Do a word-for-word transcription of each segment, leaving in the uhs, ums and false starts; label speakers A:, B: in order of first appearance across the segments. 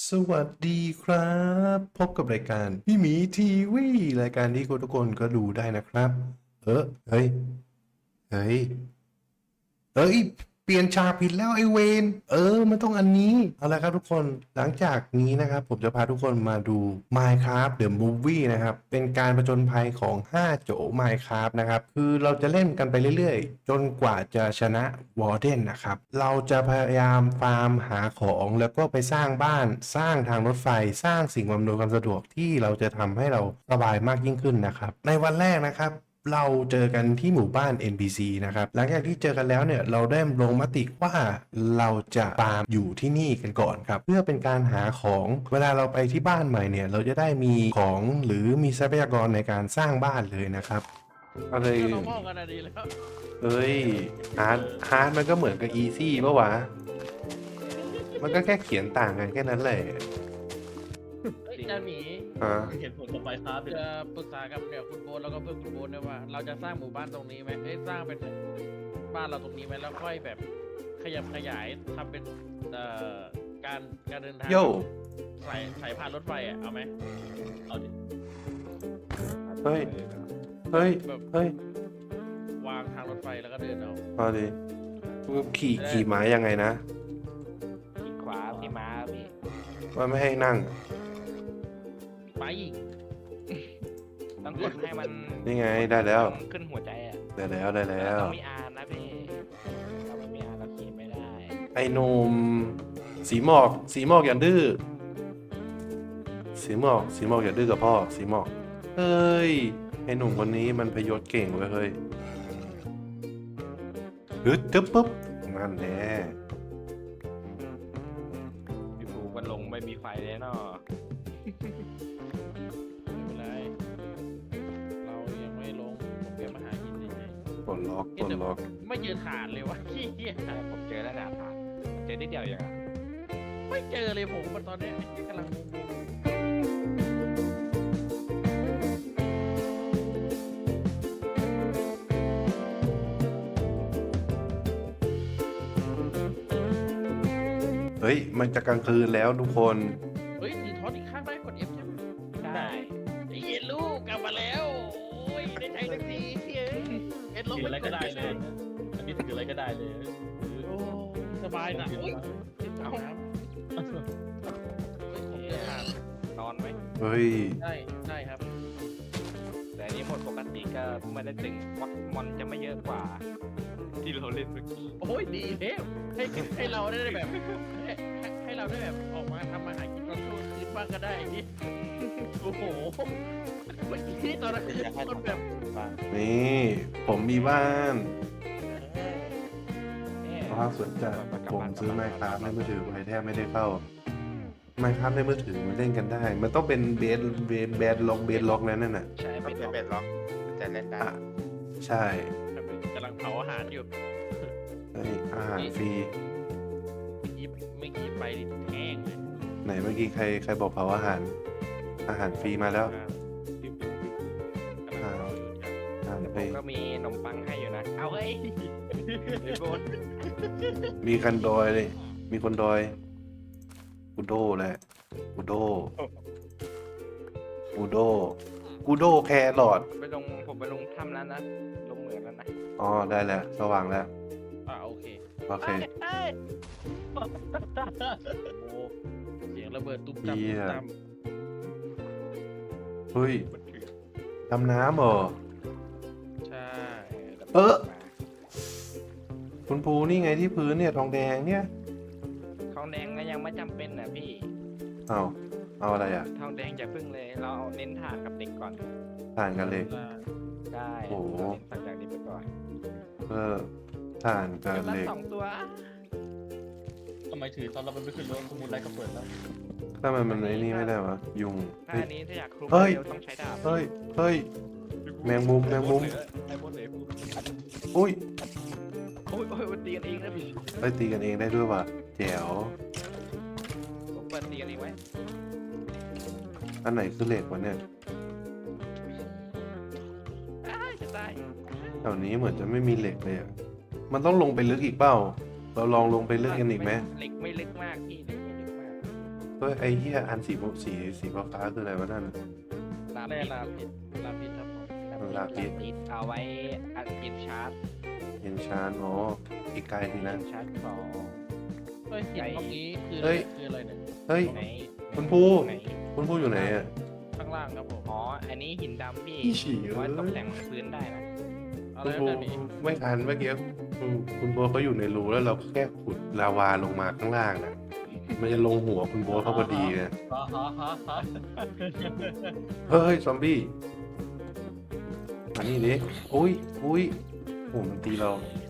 A: สวัสดีครับพบกับรายการพี่หมีทีวีรายการที่ทุกคนก็ดูได้นะครับเออเฮ้ยเฮ้ยเอ้ยเปลี่ยนฉากผิดแล้วไอเวนเออมันต้องอันนี้เอาละครับทุกคนหลังจากนี้นะครับผมจะพาทุกคนมาดู Minecraft The Movie นะครับเป็นการผจญภัยของห้าโจ Minecraft นะครับคือเราจะเล่นกันไปเรื่อยๆจนกว่าจะชนะวอร์เดนนะครับเราจะพยายามฟาร์มหาของแล้วก็ไปสร้างบ้านสร้างทางรถไฟสร้างสิ่งอำนวยความสะดวกที่เราจะทำให้เราสบายมากยิ่งขึ้นนะครับในวันแรกนะครับเราเจอกันที่หมู่บ้าน เอ็น พี ซี นะครับหลังจากที่เจอกันแล้วเนี่ยเราได้ลงมติว่าเราจะฟาร์มอยู่ที่นี่กันก่อนครับเพื่อเป็นการหาของเวลาเราไปที่บ้านใหม่เนี่ยเราจะได้มีของหรือมีทรัพยากรในการสร้างบ้านเลยนะครับอะไร
B: เรามองกันอะดีแล้ว
A: เอ้ยฮาร์ดฮาร์ดมันก็เหมือนกับอีซี่ปะวะมันก็แค่เขียนต่างกันแค่นั้นแหละ
B: เฮ้ยอาหมี
A: อ่า
C: เห็นผลต่อไปครับ
B: จะปรึกษากับเนี่ยคุณโบนแล้วก็เพื่อนคุณโบนด้วยว่า เราจะสร้างหมู่บ้านตรงนี้ไหมเฮ้ยสร้างเป็นบ้านเราตรงนี้ไหมแล้วค่อยแบบขยับขยายทำเป็นเอ่อการการเดินทาง
A: โย่
B: สายสายพานรถไฟอ่ะเอาไหม
C: เอาดิ
A: เฮ้ยเฮ้ย
B: แบบ
A: เฮ้ยว
B: างทางรถไฟแล้วก็เดินเอา
A: เอาดิขี่ขี่ม้ายังไงนะ
D: คลิกขวาที่ม้าพี่
A: ว่าไม่ให้นั่ง
B: ไปอีก
D: ต้องกดให้มัน
A: นี่ไงได้แล้ว
D: ขึ้นหัวใจอ่ะ
A: ได้แล้วได้แล้ว
D: ต้องมีอาร์นะพี่ถ้าไม่มีอาร์เราขี่ไม่ได้
A: ไอ้หนุ่มสีหมอกสีหมอกอย่าดื้อสีหมอกสีหมอกอย่าดื้อกับพ่อสีหมอกเฮ้ยไอ้หนุ่มคนนี้มันพยศเก่งเว้ยเฮ้ยฮึดทึบปุ๊บนั่นแน่
D: พี่ภูมันลงไม่มีไฟเลยเนาะ
B: ไม่เป็นไรเรายังไม่ลงผมแค่มาหาหินเฉย
A: ปลดล็อกปลดล็อก
B: ๆไม่เจอฐานเลยวะขี้เกียจ
D: ใช่ผมเจอแล้วนะผ่านเจอนิดเดียวอย่างอ่ะ
B: ไม่เจอเลยผมมันตอนเนี้ยกำลังงง
A: เฮ้ยมันจะกลางคืนแล้วทุกคน
B: เฮ้ยถือท็อตอีกข้างได้กด F ใช่ไหม
D: ได้
B: ไอ้เย็นลูกกลับมาแล้ว โอ้ยได้ใช้สักทีเฮ้ยเอ็ดลบ
C: ถืออะไรก็ได้เลย อันนี้ถืออะไรก็ได้เลย
B: โอ้สบายนะโอ้ยติดเอาน้ำเฮ้ยผมจะทาน
D: นอนไหม
A: เฮ้ย
B: ได้ได้ครับ
D: แต่อันนี้หมดปกติก็ไม่ได้ตึงวักมอนจะไม่เยอะกว่า ที่เราเล่นเมื่อกี้
B: โอ้ยดีแล้วให้ให้เราได้แบบให้ให้เราได้แบบออกมาทำมาหากินตอนช่วงคืนบ้างก็ได้นี่โอ้โหเมื่อกี้ตอนนั้นคือคนแบบ
A: นี่ผมมีบ้าน
D: เนี่ย
A: ภาพสนใจผมซื้อไมค์คราฟในมือถือไปแทบไม่ได้เข้าไมค์คราฟในมือถือมันเล่นกันได้ มันต้องเป็นเบสเบสเบสล็อกเบสล็อกนั่นน่ะ
D: ใช่ไม่เป็นเป็นล็อกจะเล่นได้
A: อ่ะใช่
B: กำลังเผาอาหารอยู่
A: เฮ้ยอาหารฟรี
B: เมื่อกี้เมื่อกี้ไปแห้งเลย
A: ไหนเมื่อกี้ใครใครบอกเผาอาหาร อาหารฟรีมาแล้ว
B: กำลังเผาอยู่ครับ
A: อาหาร
D: แต่
A: ฟ
D: ผ
A: รี
D: มก็มีขนมปังให้อยู่นะ เอาเฮ้ยไอ้โบน
A: มีคันดอยเลยมีคนดอยกูโดแหละกูโดกูโดกูโดแครอท
D: ไปลงผมไปลงถ้ำแล้วนะ ลงเหมืองแล้วนะ
A: อ๋อได้แล้วสว่างแล้ว
B: อ่าโอเค
A: โอเค
D: เอ้ย
B: โอ้เสียงระเบิดตุ้มตั้ม
A: เหี้
B: ตุ้
A: ย
B: มตั้ม
A: เฮ้ย
D: มันคือ
A: ดำน้ำเหรอ
B: ใช่
A: เออ คุณภูนี่ไงที่พื้นเนี่ยทองแดงเนี่ย
D: ทองแดงก็ยังไม่จำเป็นนะพี่
A: เอาเอาอะไรอ่ะ
D: ทองแดงจะพึ่งเลย เราเอาเน้นถ่านกับเด็กก่อน
A: ถ่านกันเหล็ก
D: ได้
A: โอ้โห
D: เราเน้นสักอย่างนี้ไปก่อน
A: เออถ่านกับ
D: เดี๋ยวละ
A: เหล็ก
D: สองตัว
C: ทำไมถือตอนเรามันไม่ขึ้นรถสมุนไรก็เปิดแล้ว
A: ถ้ามันมันไอ้นี่ไม่ได้วะยุง
D: ถ้า
A: เฮ้ย
D: อันนี้ถ้าอยากคลุม
A: เฮ้ย
D: เร็วต้องใช้ดาบ
A: เฮ้ยเฮ้ย แมงมุมแมงมุม
C: ไอ้บนเหลว
A: อุ้ย
D: โอ้ยโอ้ยมันตีกันเองนะพี่
A: เฮ้ยตีกันเองได้ด้วยว่ะแจ๋ว
D: ผมเปิดตีกันเองไว้
A: อันไหนคือเหล็กวะเนี่ย
D: อ้ายจะตาย
A: แถวนี้เหมือนจะไม่มีเหล็กเลยอ่ะมันต้องลงไปลึกอีกเปล่า เราลองลงไปลึกกันอีกไหม
D: เหล็กไม่ลึกมากพี่เหล็กไม่ลึกมาก
A: เฮ้ยไอ้เหี้ยอันสีสีสีฟ้าๆคืออะไรวะนั่น
D: ลา
B: แร่
D: ปิด
B: ลาพิษลาพิษครับผม
A: ลาปิด
D: ปิดเอาไว้อัดกินชาร์จ
A: เห็นชานอ๋ออีกไกลทีนะ
D: ชาร์จของ
B: เฮ้ยหินตรงนี้คือ
A: เฮ้ย
B: คืออะไรเนี่ย
A: เฮ้ย
D: ไหน
A: คุณภู
D: ไหน
A: คุณภูอยู่ไหนอ่ะ
B: ข้างล่างครับผม
D: อ๋ออันนี้หินดำพี่
A: อีฉี่
D: ไว้
A: เอ้ย
D: ตกแต่งพื้นได้นะ
B: อะ
A: คุ
B: ไร
A: ณภู
B: แบบนี้
A: ไม่ทันเมื่อกี้คุณคุณโบทเขาอยู่ในรูแล้วเราแค่ขุดลาวาลงมาข้างล่างนะมันจะลงหัวคุณโบทเขาพอดีนะ
C: ฮ่าฮ่าฮ่าฮ่า
A: เฮ้ยซอมบี้มานี่ดิอุ้ยอุ้ยโอ้มันตีเรา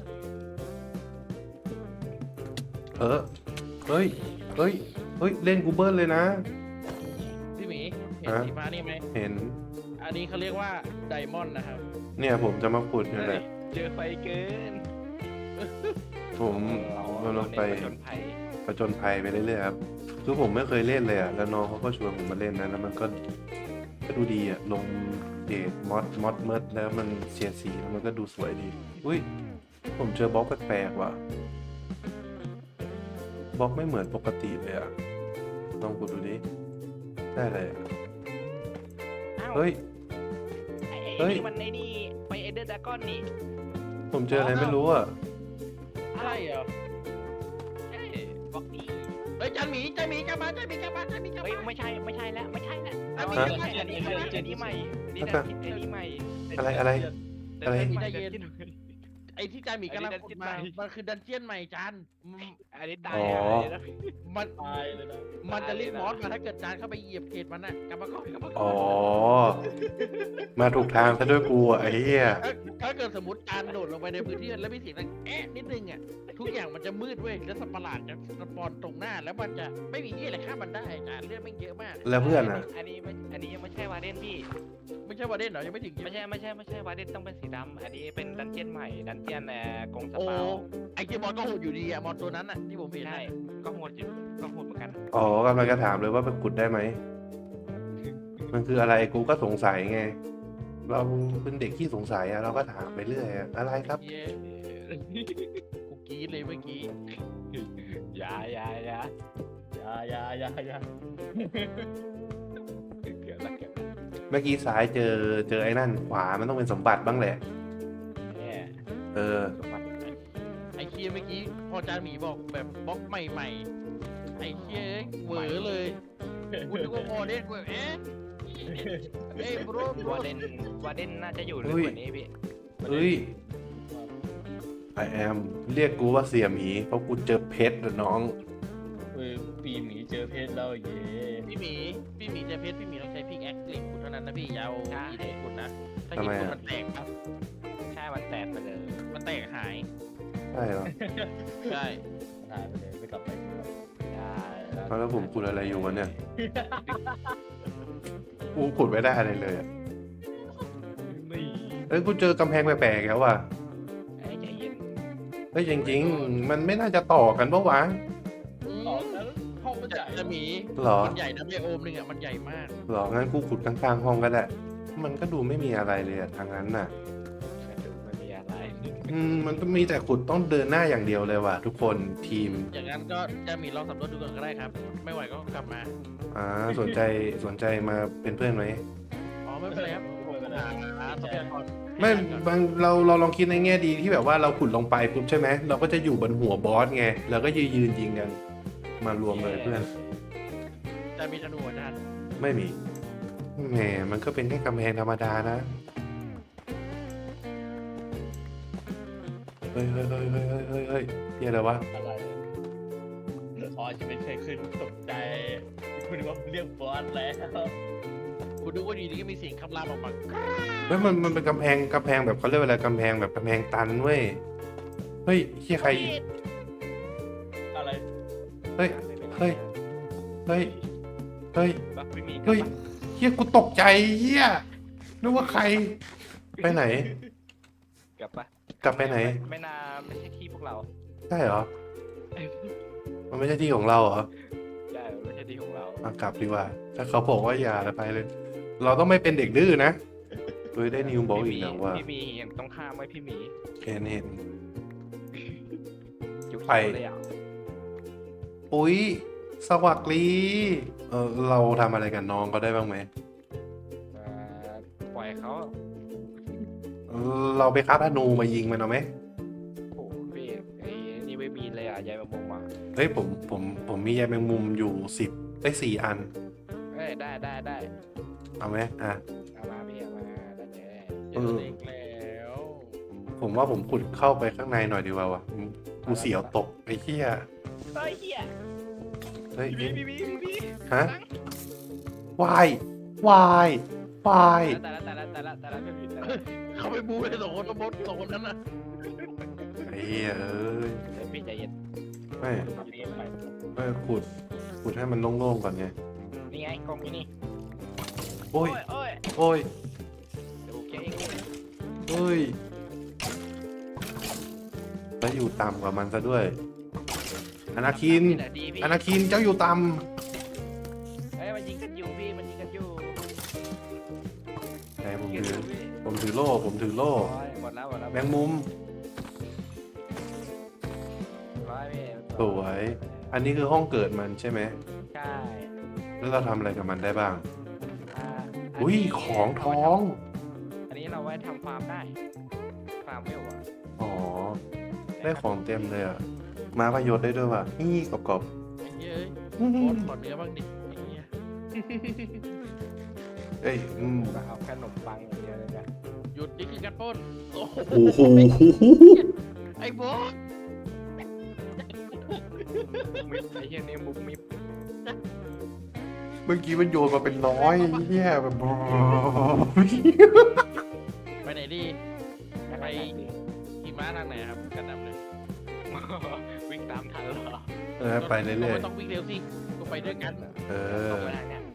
A: เออเฮ้ยเฮ้ยเฮ้ยเล่นกูเบิลเลยนะ
B: พี่หมีเห็น
A: ฮะ
B: สีฟ้านี่ไหม
A: เห็น
B: อันนี้เขาเรียกว่าไดมอนด์นะครับ
A: เนี่ยผมจะมาขุดนี่แหละ
D: เจอไฟเกิน
A: ผมกำลังไป
D: จนภัย
A: ผจญภัยไปเรื่อยๆครับคือผมไม่เคยเล่นเลยอ่ะแล้วน้องเขาก็ชวนผมมาเล่นนะแล้วมันก็ก็ดูดีอ่ะลงเดทมอดมอดเมิร์ดแล้วมันเสียดสีแล้วมันก็ดูสวยดีอุ้ยผมเจอบล็อกแปลกๆว่ะบล็อกไม่เหมือนปกติเลยอ่ะลองกดดูดิได้เลยอะ
D: อ้าว
A: เฮ้ย
D: ไอ้
A: เฮ้
D: ไอ้
A: ย
D: นี่มันไอ้นี่ไปเอเดอร์ดากอนนี่
A: ผมเจออะไรไม่รู้อ่ะ
B: ใช่เหรอ
D: เอ้ยบล็อกนี้
B: เฮ้ยจันหมีจันหมีจันมาจันหมีจันมาจันหมีจัน
D: เฮ้ย
B: มา
D: ไม่ใช่ไม่ใช่แล้วไม่ใช่แล้ว
B: อ่ะมี
D: อัน
B: เรื่
D: นี้
B: อง
D: อันนี้
B: เรื่
D: อั
B: อน ง
D: นี้อันนี้ใหม่นี่
A: แล้ว
D: นะ
A: ก็
D: อันนี้ใหม่
A: อะไรอะไร อะไร
D: เดินใหม่
B: ใจเย็น
D: เดินขึ้น
B: ไอ้ที่จันหมีกำลัง
D: อันนี้
B: ขุด
D: ดันเจี้ยน
B: มา
D: ใหม่
B: มันคือดันเจียนใหม่จันอืม
D: อันนี้ตาย
A: อ๋อ
D: อ่ะอันนี้นะ
B: มัน
C: ตายเลยนะ
B: มันจะเรียกมอสมาถ้าเกิดจานเข้าไปเหยียบเขตมันน่ะกลับมาก่อนกลับมาก่
A: อ๋
B: อ
A: อน มาถูกทางซะด้วยกูอ่ะไอ้เหี้ย
B: ถ้าถ้าเกิดสมมติจานโดดลงไปในพื้นที่แล้วมีเสียงดังแอะนิดนึงอ่ะทุกอย่างมันจะมืดเว้ยแล้วสัตว์ประหลาดจะสปอนตรงหน้าแล้วมันจะไม่มีที่อะไรฆ่ามันได้จานเลือดไม่เยอะมาก
A: แล้วเพื่อนอ่ะ
D: อันนี้ไม่อันนี้ยังไม่ใช่วาเดนพี่
B: ไม่ใช่วาเดนเหรอยังไม่ถึง
D: ไม่ใช่ไม่ใช่ไม่ใช่วาเดนต้องเป็นสีดำอันนี้เป็นดันเจียนใหม่ดันเจียนแอร์กงส
B: โอ้
D: เปา
B: ไอเจมอนก็โหดอยู่ดีอะมอนตัวนั้นอะที่ผมเห็น
D: ใช่
B: น่ะ
D: ก็โหดอยู่ก็โหดเหมือนกัน
A: อ๋อกำลังจะถามเลยว่าไปขุดได้ไหม มันคืออะไรกูก็สงสัยไง เราเป็นเด็กที่สงสัยอะเราก็ถามไปเรื่อยอะอะไรครับ
B: เย้กูกรีดเลยเมื่อกี้
D: อย่าอย่าอย่า
C: อย่าอย่าอย่าอย่า
D: เกือบละเกือบละ
A: เมื่อกี้ซ้ายเจอเจอไอ้นั่นขวามันต้องเป็นสมบัติบ้างแหละ
D: เนี่ย
A: เออ
D: สมบัติ
B: ไอเคียเมื่อกี้พอจานหมีบอกแบบบล็อกใหม่ๆไอเคียเหวอเลยกูนึกว่าพอเล่นกูแบบเอ๊ะเอ้ยบรบร
D: วาเดนวาเดนน่าจะอยู่ลึก
A: เฮ้ย
D: กว่านี้พี่
A: เฮ้ย I am เรียกกูว่าเสี่ยหมีเพราะกูเจอเพชรอะน้อง
C: เออปีหมีเจอเพชรแล้วเย่
B: พี่หมีพี่หมีจะเพชรพี่หมีต้องใช้พิกแอคเหล็กขุดเท่านั้นนะพี่อยาวอีเด็กขุดนะถ้าหินขุดมันแตกครับ
D: ใช่มันแตกไปเลย
B: มันแตกหาย
A: ใช่เหรอ
B: ใช่
C: หายไปเลยไม่กลับไปอีกแล้ว
D: ใช่
A: เอาแล้วผมขุดอะไรอยู่วะเนี่ยกูขุดไม่ได้อะไรเลยอะ
C: ไม่
A: เอ้ยกูเจอกำแพงแปลกๆแล้วว่ะ
D: ไอ้ใจเย็น
A: เฮ้ยจริงๆ มันไม่น่าจะต่อกันปะวะ
C: ออกแล้วห้องมันใหญ่
B: จะหมี
A: หรอ
B: มันใหญ่นะไบโอมหนึ่งอ่ะมันใหญ่มาก
A: หรองั้นกูขุดข้างๆห้องก็ได้ มันก็ดูไม่มีอะไรเลยอะทางนั้นน่ะ
D: กระดูกไม่มีอะไร
A: อืมมันก็มีแต่ขุดต้องเดินหน้าอย่างเดียวเลยว่ะทุกคนทีม
B: อย่างนั้นก็จะมีลองสำรวจดูก่อนก็ได้ครับ ไม่ไหวก็กลับมา
A: อ่าสนใจสนใจมาเป็นเพื่อนไหม
B: อ๋อไม่เป็นไรครับผมหาหาทรัพยากร
A: ไม่บางเราเราลองคิดในแง่ดีที่แบบว่าเราขุดลงไปปุ๊บใช่ไหมเราก็จะอยู่บนหัวบอสไงเราก็ยืนยืนยิงกันมารวมเลยเพื่อน
B: จะมีธนูอาจารย์
A: ไม่มีแหมมันก็เป็นแค่กำแพงธรรมดานะเฮ้ยเฮ้ยเฮ้ยเฮ้ยเฮ้ยเฮ้ยเฮ้ยเฮียอะไรวะ
C: อะไรอ๋อจะเป็นใครขึ้นตกใจคุณว่าเรียกบอสแล้ว
B: คุณดูว่าอยู่ดีก็มีเสียงคำรามออกมา
A: เฮ้ยมันมันเป็นกำแพงกำแพงแบบเขาเรียกว่าอะไรกำแพงแบบกำแพงตันเว้ยเฮ้ยเฮียใคร
C: อะไร
A: เฮ้ยเฮ้ยเฮ้ยเฮ้ย
D: บักไม่มี
A: เฮ้ยเฮียกูตกใจเฮียนึกว่าใคร ไปไหน
D: กลับปะ
A: กลับไปไหน
D: ไม่น่าไม่ใช่ที่พวกเรา
A: ใช่เหรอ มันไม่ใช่ที่ของเราเหรอ
D: ใช่ไม่ใช่ที่ของเรา
A: มากลับดีกว่า ถ้าเขาบอกว่าอย่าแล้วไปเลย เราต้องไม่เป็นเด็กดื้อนะเฮ้ยได้นิวบอกอีกนะว่า
D: พี่หมีเห็นต้องข้ามไว้พี่หมี
A: เห็นเห็น
D: จุก
A: ไป
D: เลยอ่ะ
A: อุ้ยสวัสดีเออเราทำอะไรกับน้องเขาได้บ้างไหม
D: เอ่อปล่อยเขา
A: เออเราไปคัดอนูมายิงมันเอาไหม
D: โอ้โหพี่ไอ้นี่ไม่มีเลยอ่ะยายมามุมอ่ะ
A: เฮ้ยผมผมผมมีใยแมงมุมอยู่สิบได้สี่อัน
D: เอ้ยได้ได้ได้
A: เอาไหมอ่ะ
D: เอามาพี่เอามาได้เลย
B: เจอเล็กแล้ว
A: ผมว่าผมขุดเข้าไปข้างในหน่อยดีกว่าวะกูเสียวตกไอ้เหี้ย
D: เฮ้ยเฮีย
A: เฮ้ย
D: พี่พี่พี่พี่
A: ฮะวายวายวาย
D: แต่ละแต่ละแต่ละแต่ละแต่ละพี่แต่ละ
B: เขาไปบูเลยสองคนแล้วบดสองคนนั้นน่ะ
A: ไอ้เหี้ยเอ้ย
D: เดี๋ยวพี่ใจเย็น
A: ไม่
D: ทำเองไป
A: ไม่ขุดขุดให้มันโล่งๆก่อนไง
D: นี่ไงกล้องพี่นี่
A: โอ้ย
D: โอ้ย
A: โอ้ย
D: เดี๋ยวเก่งเอง
A: โอ้ยแล้วอยู่ต่ำกว่ามันซะด้วยอนาคิน
D: นี่แหละดีพี่
A: อนาคินเจ้าอยู่ต่
D: เฮ้ยมันยิงกันอยู่พี่มันยิงกันอยู่
A: ำแต่ผม
D: ยิงกัน
A: ถื
D: อ
A: อยู่
D: พี่
A: ผมถือโล่ผมถือโล่
D: โอ้ยหมดแล้วหมดแล้ว
A: แมงมุม
D: ร้อยพี่
A: สวย อันนี้คือห้องเกิดมันใช่ไหม
D: ใช่
A: แล้วเราทำอะไรกับมันได้บ้าง
D: อ่า
A: อุ้ย
D: นนี้
A: ของทอง
D: อันนี้เราไว้ทำฟาร์มได้ฟาร์มไม่หวะ
A: อ๋อ ได้ของเต็มเลยอ่ะ มาประโยชน์ได้ด้วยว่ะ นี่กรอบ
B: ไอ้เหี้ยเอ้ย
A: ๆอื้อ
B: โบ
A: หือ
B: ดขอเนื้อบ้างดิไอ้เหี้ย
A: เอ้ยอืม
D: เราเอาขนมปังอย่างเดียวเลยนะ
B: หยุดนี่คือการปล้นโอ้โห
A: โอ้โห
B: ไอ้โบด
D: มิบไอ้เหี้ยนี่มุกมิบ
A: เมื่อกี้มันโยนมาเป็นร้อยเฮียแบบ
B: ไปไหนดี
D: ไป
B: ขี่ม้าทางไหนครับกันนำเลย
D: วิ่งตามทันเหรอ
A: เออไปเรื่อย
B: ไม่ต้องวิ่งเร็วสิก็ไปด้วยกัน
A: ๆ เอ
D: ต
A: อ
D: รงไปทางเนี้ย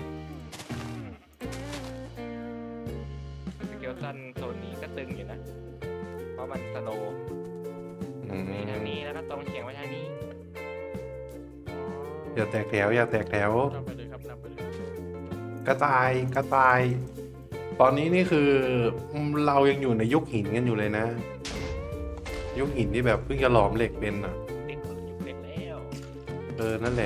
D: สเกลตันโซนนี้ก็ตึงอยู่นะ เพราะมันสโลว์
A: อืม
D: มีทางนี้แล้วก็ตรงเฉียงไปทางนี้
A: อย่าแตกแถวอย่าแตกแถว
B: นำไปเลยครับนำไปเลย
A: กระต่ายกระต่าย ตอนนี้นี่คือเรายังอยู่ในยุคหินกันอยู่เลยนะ ยุคหินที่แบบเพิ่งจะหลอมเหล็กเป็นอ่ะ
D: เด็กอยู่เด็กแล้ว
A: เออ นั่นแหละ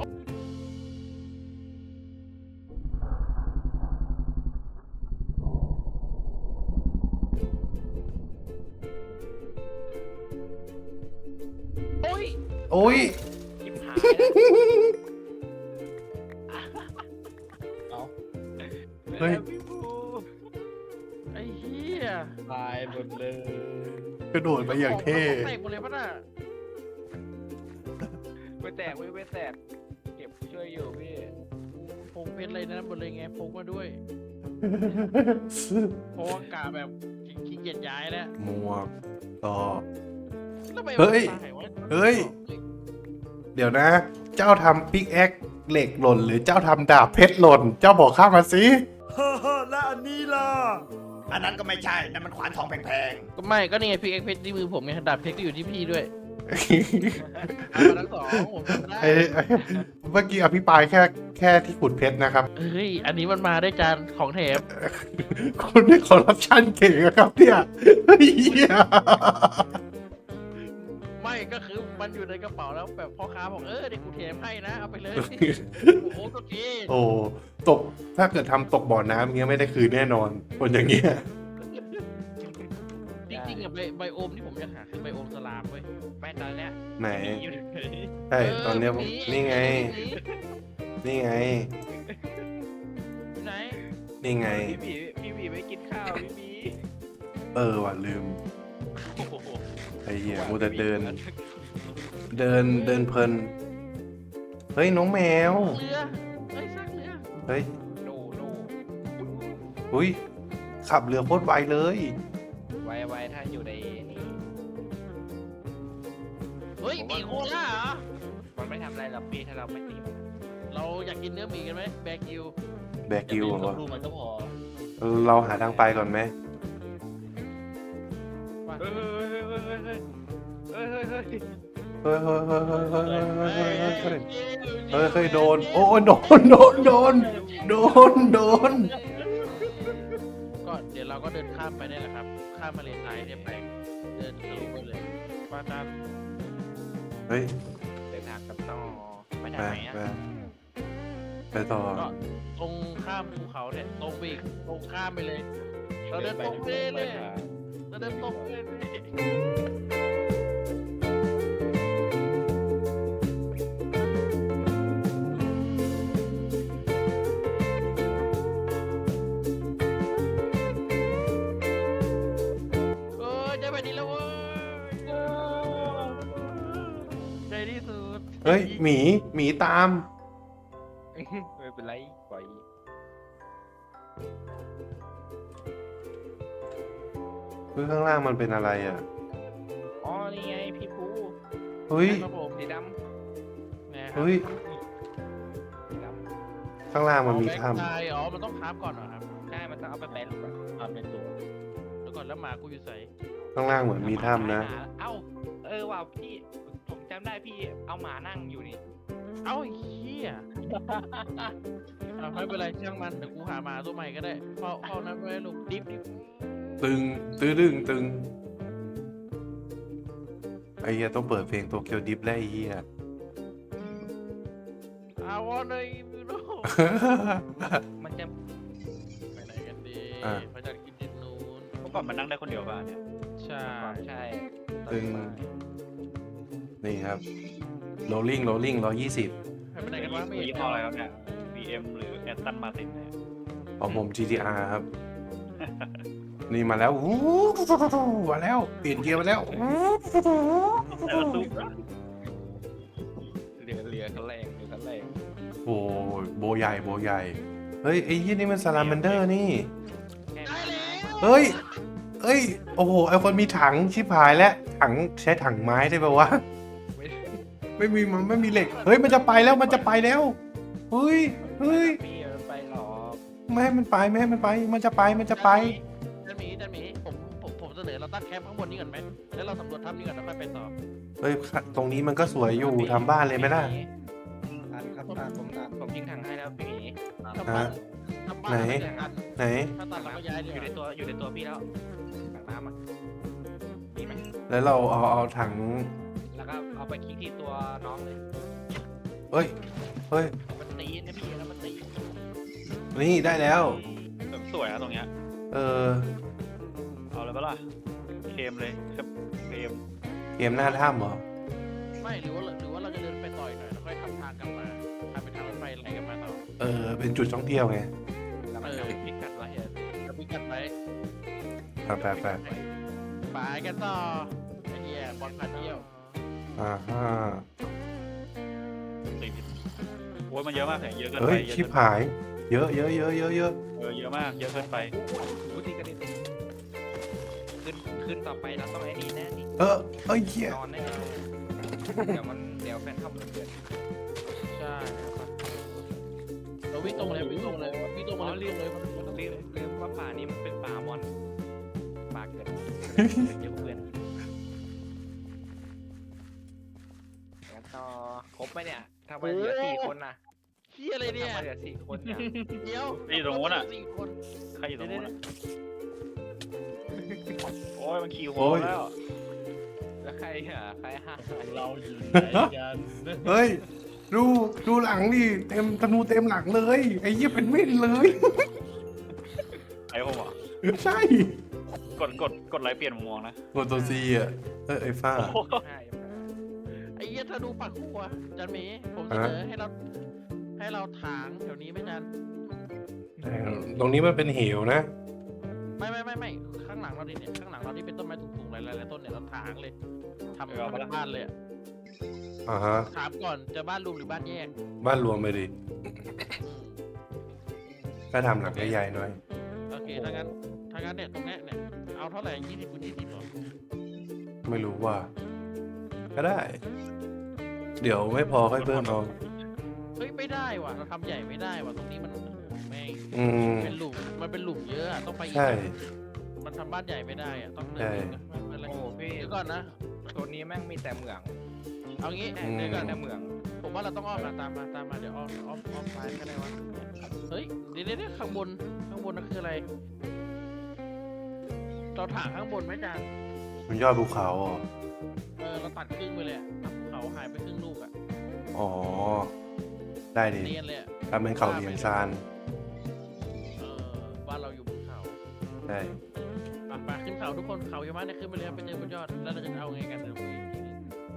B: โอ้ย
A: โอ้ย
D: ชิบหายแล้ว
C: เอา
A: เฮ้ย
D: พี่บู
B: ไอ้เหี้ย
C: ตายหมดเลย
A: กระโดดมาอย่างเท่
B: แตกหมดเลยปะน่ะ
D: ไม่แตกไม่ไม่แตกเก็บช่วยอยู่พี่
B: ผมเป็นอะไรนะหมดเลยไงพกมาด้วยเพราะว่ากาแบบขี้เกียจย้ายแล้ว
A: หมวกต่อ
B: แล้วไป
A: เฮ้ย
B: ตายวะ
A: เฮ้ย เดี๋ยวนะ เจ้าทำปิกแอคเหล็กหล่น หรือเจ้าทำดาบเพชรหล่น เจ้าบอกข้ามาสิ
E: แล้วอันนี้ล่ะ อันนั้นก็ไม่ใช่ นั่นมันขวานทองแพง
B: ก็ไม่ก็นี่ไงพี่เอ็กเพชรที่มือผมไงดาบเพชรก็อยู่ที่พี่ด้วยเอามาทั้งสองผมทำได้
A: ไอ้ไอ้เมื่อกี้อภิปรายแค่แค่ที่ขุดเพชรนะครับ
B: เฮ้ยอันนี้มันมาได้วยจานของแถม
A: คุณนี่คอร์รัปชันเก่งอะครับเนี่ยเฮ้ยเหี้ย
B: ไม่ก็คือมันอยู่ในกระเป๋าแล้วแบบพ่อค้าบอกเออเดี๋ยวกูแถมให้นะเอาไปเลยโอ้โหก็ดี
A: โอ้ตกถ้าเกิดทำตกบ่อน้ำอย่างเงี้ยไม่ได้คืนแน่นอนคนอย่างเงี้ย
B: จริงๆอะไบไบโอมที่ผมอยากหาคือไบโอมสลามเว้ย
D: ไม่ตอนเนี้ย
A: ไหน
D: มีอยู่เฉย
A: ใช่ตอนเนี้ยผมนี่ไง นี่ไง
B: ที่ไหน
A: นี่ไง
D: พี่บีพี่บีไม่กินข้าวพี่บี
A: เออว่ะลืม
D: โอ้โห
A: ไอ้เหี้ยมูแต่เดิน เดินเดินเพลิน เฮ้ยน้องแมว
B: เรือเฮ้ยสร้างเรือ
A: เฮ้ย
D: โนโน
A: อุ้ยขับเรือโคตรไวเลย
D: ไวไวถ้าอยู่ในนี่
B: เฮ้ยหมีโคล่าเหรอ
D: มันไม่ทำอะไรหรอกพี่ถ้าเราไม่ตีมัน
B: เราอยากกินเนื้อหมีกันไหมแบกิว
A: แบกกิวเหรอ
C: ดูมันก็พอ
A: เราหาทางไปก่อนไหม
B: ว่า
D: เฮ้ยเฮ้ยเฮ้ยเฮ้ยเฮ้ยเฮ้ย
A: เฮ้ยเฮ้ยเฮ้ยเฮ้ยเฮ้ยเฮ้ยเฮ้ยเฮ้ย
B: เฮ้ย
A: เฮ้ยโดน โอ้โดนโดนโดนโดนโดน
B: ก็เดี๋ยวเราก็เดินข้ามไปนี่แหละครับ ข้ามมาเลซ้ายเนี่ยไปเดินทะลุไปเลยว่าตาม
A: เฮ้ย
D: เดินทางกันต่อไปไป
A: ไป
D: ทางไหนอ่ะ
A: ไปไปต่อ
B: ก็ตรงข้ามภูเขาเนี่ยตรงไปอีกตรงข้ามไปเลย เราเดินตรงไปเลย เราเดินตรงไปเลยเออจะไปดีแล้วเว้ยในที่สุด
A: เฮ้ยหมีหมีตาม
D: ไม่เป็นไรปล่อย
A: เฮ้ยข้างล่างมันเป็นอะไรอ่ะ
D: อ๋อนี่ไงพี่ภู
A: เฮ้ย
B: ครับผม
D: สีด
B: นะครับ
A: เฮ้ย
D: ำสีด
A: ข้างล่างมันมี
B: เอาแบงค์
A: ถ้
B: ตายอ๋อ มันต้องคราฟก่อนเหรอครับ
D: ำใช่มันต้องเอาไปแปรรูปอะ
C: ทำเป็นตัว
B: เดี๋ยวก่อนแล้วหมากูอยู่ใส่
A: ำข้างล่างเหมือนมีถ้ำนะ
D: เอ้าเออว่ะพี่ผมจำได้พี่เอาหมานั่งอยู่นี่
B: เอ้าไอ้เหี้ยเอาไม่เป็นไรช่างมัน เดี๋ยวกูหาหมาตัวใหม่ก็ได้เฝ้าเฝ้านั้นไว้ลูกดิบดิบ
A: ตึงตื้อดึงตึงไอ้เหี้ยต้องเปิดเพลงโตเกียวดิฟแล้วไอ้เหี้ย
B: อาวอนเลยมิโน
D: มันจะ
B: ไปไหนกันดี
A: อ่ะ
B: ไปจากกินดินนู้น
C: เมื่อก่อนมันนั่งได้คนเดียวป่ะเนี่ย
B: ใช่
D: ใช่
A: ตึงนี่ครับ rolling rolling ร้อยยี่สิบ
B: ไปไหนกันวะไม่
C: ยี่
B: เห็น
C: ห้ออะไรครับเนี่ย บี เอ็ม หรือ Aston Martin เนี่ย
A: ของผม จี ที อาร์ ครับ นี่มาแล้วอู้มาแล้ว เปลี่ยนเกียร์มาแล้วอู้
C: แต่ละตู้
D: เรือเรือเขาแรงเรือเขาแรง
A: โอ้ยโบใหญ่โบใหญ่ เฮ้ย ไอ้ยี่นี่มันซาลาแมนเดอร์นี่
D: แค่
B: ได้
D: นี้
B: แล้ว
A: เฮ้ย เฮ้ย โอ้โห ไอคนมีถังชิบหายแล้ว ถังใช้ถังไม้ได้ป่าวะ
D: ไม่
A: ไม่มีมันไม่มีเหล็ก เฮ้ย มันจะไปแล้ว มันจะไปแล้ว เฮ้ย เฮ้ย
D: พี่มันไปหรอก
A: ไม่ให้มันไป ไม่ให้มันไป มันจะไป มันจะไป
B: จันหมีจันหมีผมผมผมเสนอเราตั้งแคมป์ข้างบนนี้ก่อนไหมแล้วเราสำรวจถ้ำนี้ก่อนแล้วค่อยไปต่อ
A: เฮ้ย ตรงนี้มันก็สวยอยู่ทำบ้านเลยไหมล่ะ
D: อันครับตาผมตาผมทิ้งถังให้แล้วพี่หมี
B: ทำบ้านทำบ้าน
A: ไหน
B: ไม่ได้กัน
A: ไหน
B: ถ้าตัดเราก็ย้ายดี
D: อก ยู่ใน
B: ว่า
D: ตัวอยู่ในตัวพี่แล้วถังน้ำอ่ะมีไหม
A: แล้วเราเอาเอาถัง
D: แล้วก็เอาไปคลิกที่ตัวน้องเลย
A: เฮ้ย เฮ้ย
D: มันตีนะพี่แล้วมันตี
A: นี่ได้แล้ว
C: แบบสวยนะตรงเนี้ย
A: เออ
C: เอาเลยปะล่ะเคมเลยครับเคม
A: เกมหน้าถ้ำเหรอ
B: ไม่หรือว่าหรือว่าเราจะเดินไปต่อยหน่อยแล้วค่อยทำทางกลับมาทำเป็นทางรถไฟไหลกลับมาต่อ
A: เออ เป็นจุดท่องเที่ยวไง
D: แล้วมัน
B: เออ
D: เอาไปคลิกกัดไว้อะ
B: แล้วพิกัดไป
A: ไปไปไป
B: ไปกันต่อไอ้เหี้ยบอลพาเที่ยว
A: อ่าฮะ
C: สี่สิบโอ้ยมันเยอะมากเลยเยอะเกิน
A: เฮ้
C: ไป
A: ย
C: เยอะ
A: ชิบ
C: เกิน
A: หาย เยอะเยอะเยอะเยอะเยอะ
C: เออเยอะมากเยอะเกินไป
D: รู้ที่กระดิ่งขึ้นขึ้นต่อไปเราต้องไอ้นี่แน่นี่
A: เออเอ้ยเหี้ย
D: นอนแน่เดี๋ยวมันเดี๋ยวแฟนเข้ามันเกิด
B: ใช่ครับเราวิ่งตรงเลยวิ่งตรงเลยวิ่งตรงมาเลยวิ่งตรงเลยวิ่งตรง
D: ลื
B: เล
D: ม
B: ย
D: ลืมว่าป่านี้มันเป็นป่ามอนป่าเกิดเดี๋ยวเพื่อนแล้วต่อครบไหมเนี่ยทำไมเหลือสี่คนน่ะ
B: เหี้ยอะไรเนี่ย
D: ทำไมเหลือสี่คนเนี่ย
B: เดี๋ยว
C: นี่ตรงนู้นอ่ะ
B: สี่คน
C: ใครอยู่ตรงนู้นอะโอ้ยมันขี่หัว
A: โอ้ย
C: แล้ว
D: แล้วใครอ่ะใครฮะ
C: เราอยู่ไหนกัน
A: เฮ้ย ดูดูหลังดิเต็มธนูเต็มหลังเลย ไอ้เหี้ยเป็นเม่นเลย
C: ไอ้ผมเหรอ
A: ใช่
C: กดกดกดไลค์เปลี่ยนมุมมองนะ
A: กดตัวซีอ่ะ เออไอ้ฟ้า
C: โอ้โห
D: ใช่
B: ไอ้เหี้ยถ้าดูปากคู่อะจันหมีผมเสนอให้เราให้เราถางแถวนี้ไหม่จัน
A: ตรงนี้มันเป็นเหวนะ
B: ไม่ไม่ไม่ไม่ข้างหลังเราดิเนี่ยข้างหลังเราที่เป็นต้นไม้สูงๆหลายๆต้นเนี่ยเราถางเลยทำเป็นบ้านเลยอะ
A: อ่าฮะ
B: ถามก่อนจะบ้านรวมหรือบ้านแยก
A: บ้านรวมไปดิ
B: อืม
A: ก็ทำหลังใหญ่ๆหน่อย
B: โอเคถ้างั้นถ้างั้นเนี่ยตรงเนี้ยเนี่ยเอาเท่าไหร่ยี่สิบคูณยี่สิบหรอ
A: ไม่รู้ว่า ก็ได้ เดี๋ยวไม่พอค่อยเพิ่มเอา
B: เฮ้ยไม่ได้ว่ะเราทำใหญ่ไม่ได้ว่ะตรงนี้มันแม่ง
A: อืม
B: เป็นหลุมมันเป็นหลุมเยอะอะต้องไปอีก
A: ใช่
B: มันทำบ้านใหญ่ไม่ได้อะต้องเดิน
A: ใช่
B: อีกอะไม่เป็นไร
D: โอ้พี่
B: เดี๋ยวก่อนนะ
D: ตัวนี้แม่งมีแต่เหมือง
B: เอางี้
A: อืม
B: เดี๋ยวก่อน
D: แต่เหมือง
B: ผมว่าเราต้องอ้อมมาตามมาตามมาเดี๋ยวอ้อมอ้อมอ้อมซ้ายก็ได้วะเฮ้ยเดี๋ยวเดี๋ยวเดี๋ยวข้างบนข้างบนนั่นคืออะไรเราถางข้างบนไหมจาน
A: มันยอดภูเขาเหรอ
B: เออเราตัดครึ่งไปเลยอะภูเขาหายไปครึ่งลูกอะ
A: อ๋อ
B: เ
A: ได้ดิ
B: เนียนเลยอะ
A: ทำเป็นเขาเลียงซาน
B: เออบ้านเราอยู่บนเขา
A: ใช่
B: อ่ะไปขึ้นเขาทุกคนเขาเยอะมากเนี่ยขึ้นไปเลยครับไปเจอบนยอดแล้วเราจะเอาไงกันเดี๋ยวคุยอีกทีนึง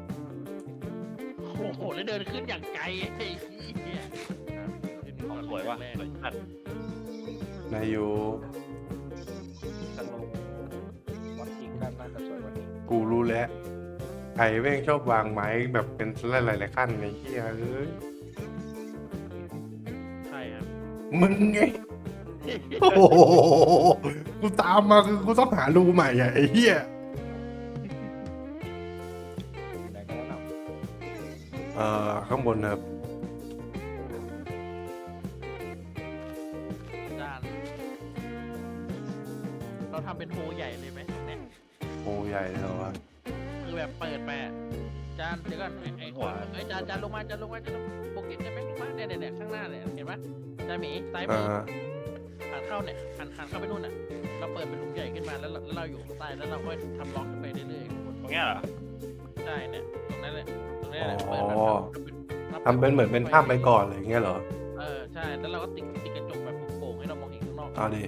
B: โอ้โหแล้วเดินขึ้นอย่างไกลไอ้เหี้ยอ่ะขึ้น
C: ข
B: ก่
C: อง
B: อน
C: สวยว่ะ
B: แรก
C: สวยจัด
A: นายอยู่
D: สโลว์วันจริงก็น่าจะสวยกวันนี้
A: กูรู้แล้วใครแม่งชอบวางไม้แบบเป็นหลายๆขั้นในเฮียเอ้ย
B: ใช่ครับ
A: มึงไง โอ้โหกูตามมาคือกูต้องหารูใหม่อ่ะไอ้เหี้ย
D: ไหนก็แนะน
A: เอ่อข้างบนครับ
B: จานเราทำเป็นโฮใหญ่เลยไหมเนี่ย
A: โอ้ใหญ่เลยวะ
B: คือแบบเปิดไปอะจานเดี๋ยวก่อนไอ้ไอ้หัวไอ้ยจานจานลงมาจานลงมาจานลงโปรเกตได้ไหมลงมาเนี่ยเนี่ยเนี่ยข้างหน้าเนี่ยเห็นปะจานหมีซ้ายมื
A: อ่า
B: อหันเข้าเนี่ยหันหันเข้าไปนู่นน่ะเราเปิดเป็นหลุมใหญ่ขึ้นมาแล้วเราแล้วเราอยู่ข้างใต้แล้วเราก็ทำล็อกขึ้นไปเรื่อยๆข้างบน
C: ตรงเนี้ยเหรอ
B: ใช่เนี่ยตรงนั้นแหละตรงนี้แหละเปิดแบบทำ
A: ทำเป็นเหมือนเป็นถ้ำไปก่อนอะไรอย่างเงี้ยเหรอ
B: เออใช่แล้วเราก็ติดติดกระจกแบบโป่งๆให้เรามองเห็นข้างนอก
A: เอาดิ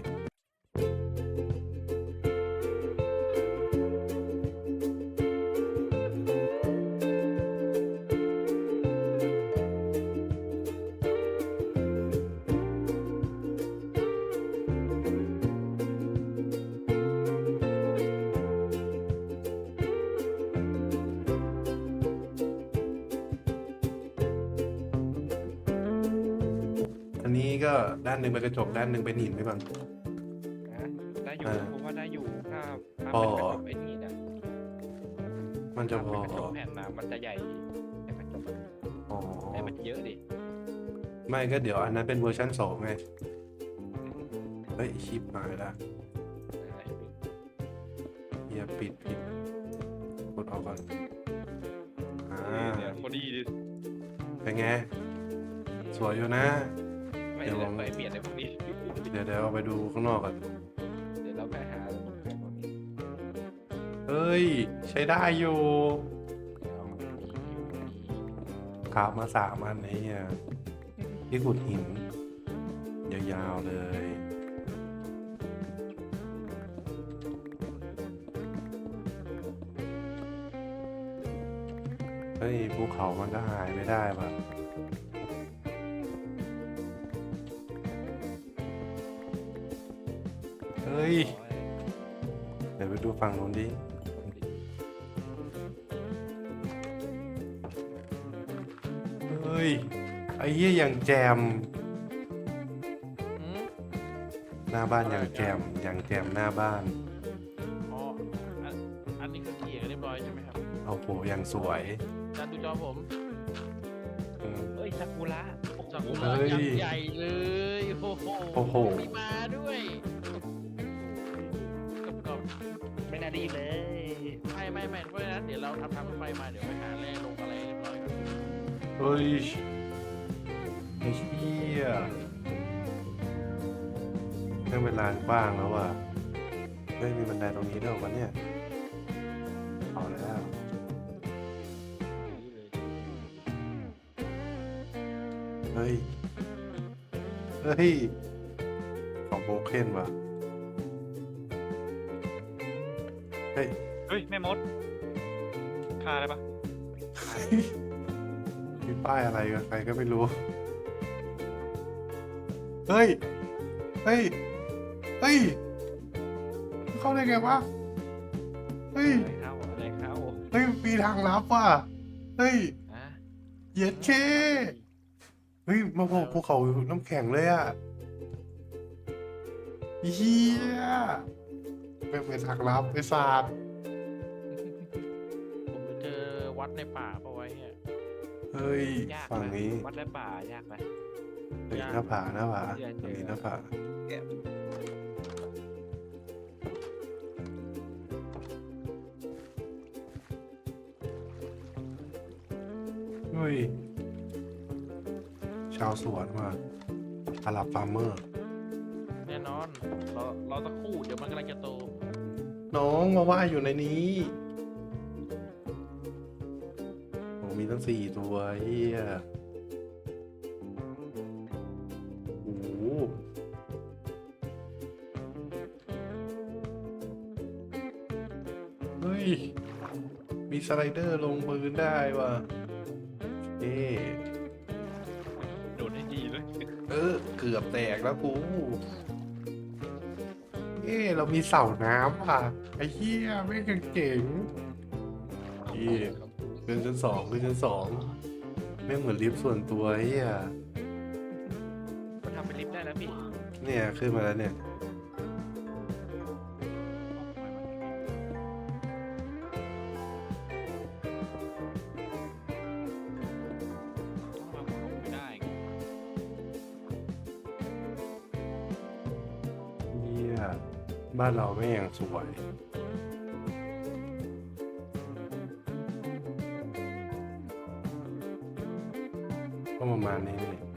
A: อันนี้ก็ด้านหนึ่งเป็นกระจกด้านหนึ่งเป็นหินไปก่อน
D: ำนะได้อยู่
A: อ่า
D: ผมว่าได้อยู่ถ้าถ้า
A: พอ
D: เป็นกระจกไอ้นี่นะ
A: มันจะ
D: ถ้า
A: พ
D: เป็น
A: อ
D: กระจกแผ่นนะมันจะใหญ่แต่กระจก
A: อ๋อ
D: แต่มันเยอะดิ
A: ไม่ก็เดี๋ยวอันนั้นเป็นเวอร์ชันสองไง เฮ้ย ชิปหายละเฮียปิดผิดกดออกก่อน อ่า
D: เนี่ยพอดีดิ
A: เป็นไง สวยอยู่นะ
D: ไม่
A: เดี๋ยว
D: ได้
A: ลอง
D: ไปเปลี่ยนในพวกนี้
A: เดี๋ยวเดี๋ยวเอาไปดูข้างนอกก่อน
D: เดี๋ยวเราไปหาไอ้พวกนี้
A: เฮ้ย ใช้ได้อยู่
D: เอาดีดี
A: ขาบมาสามอันไอ้เนี่ยที่ขุดหิน ยาวๆเลย เฮ้ยภูเขามันก็หายไม่ได้ป่ะ เฮ้ย เดี๋ยวไปดูฝั่งนู้นดิ เฮ้ย ไอ้เหี้ยอย่างแจม
B: อืม
A: หน้าบ้านอย่างแจมอย่างแจมหน้าบ้าน
B: อ๋ออันอันนี้คือเกียร์เรียบร้อยใช่ไหมครับ
A: เอาโหอย่างสวย
B: จานดูจอผม
A: อืม
D: เฮ้ยซากุระโอ้โห
B: จากกุ
A: เฮ้
B: ระ
A: ย
B: ยักษ์ใหญ่เลยโอ้โห
A: โอ้โห
B: มีมาด้วยกรอบ
D: ไม่น่าดีเลย
B: ๆไม่ไม่ไม่เพราะฉะนั้นเดี๋ยวเราทำทางรถไฟมาเดี๋ยวไปหาแร่ลงอะไรเรียบร้อยก่อน
A: เฮ้ยไอ้เหี้ยนั่งเป็นลานกว้างแล้วว่ะเฮ้ยมีบันไดตรงนี้ด้วยวะเนี่ย เอาแล้ว เฮ้ย เฮ้ย ของโบเคนว่ะ เฮ้ย
C: เฮ้ยแม่มดฆ่าได้ปะ
A: มีป้ายอะไรกับใครก็ไม่รู้ เฮ้ย เฮ้ย เฮ้ย เข้าได้ไงวะ เฮ้ย
D: อะไรเข้าอะไรเข้า
A: เฮ้ย มีทางลับว่ะ เฮ้ย
D: ฮะ
A: เย็ดเค เฮ้ย มาโผล่ภูเขาน้ำแข็งเลยอ่ะเฮียเป็นเป็นทางลับไอ้ศาสตร์
B: ผมไปเจอวัดในป่าปะไว้เนี่ย
A: เฮ้ย
D: ยาก
A: ฝั่ง
D: ไหม
A: นี้
D: วัดและป่ายากไหม
A: เฮ้ยหน้าผาหน้าผา
D: เดี๋ยว
A: ตรงนี้
D: เจอ
A: หน้าผา
D: แกะ
A: เฮ้ย ชาวสวนว่ะอาหรับฟาร์มเมอร์
B: แน่นอนเราเราตะครู่เดี๋ยวมันกำลังจะโต
A: น้องมาว่าอยู่ในนี้โอ้มีตั้งสี่ตัวเฮียย มีสไลเดอร์ลงพื้นได้ว่ะเอ๊
D: โดดให้ดีเลย
A: เออ เกือบแตกแล้วกู เอ๊เรามีเสาน้ำว่ะ ไอ้เหี้ยไม่งเก่งเอ๊ขึ้นชั้นสองขึ้นชั้นสองแม่งเหมือนลิฟต์ส่วนตัวไอ้เหี้ย
D: มันทำเป็นลิฟต์ได้แล้วพี่
A: เนี่ย ขึ้นมาแล้วเนี่ย
D: ต้องมาลงไม่ได้
A: เหี้ยบ้านเราไม่งยังสวย ก็ประมาณนี้นี่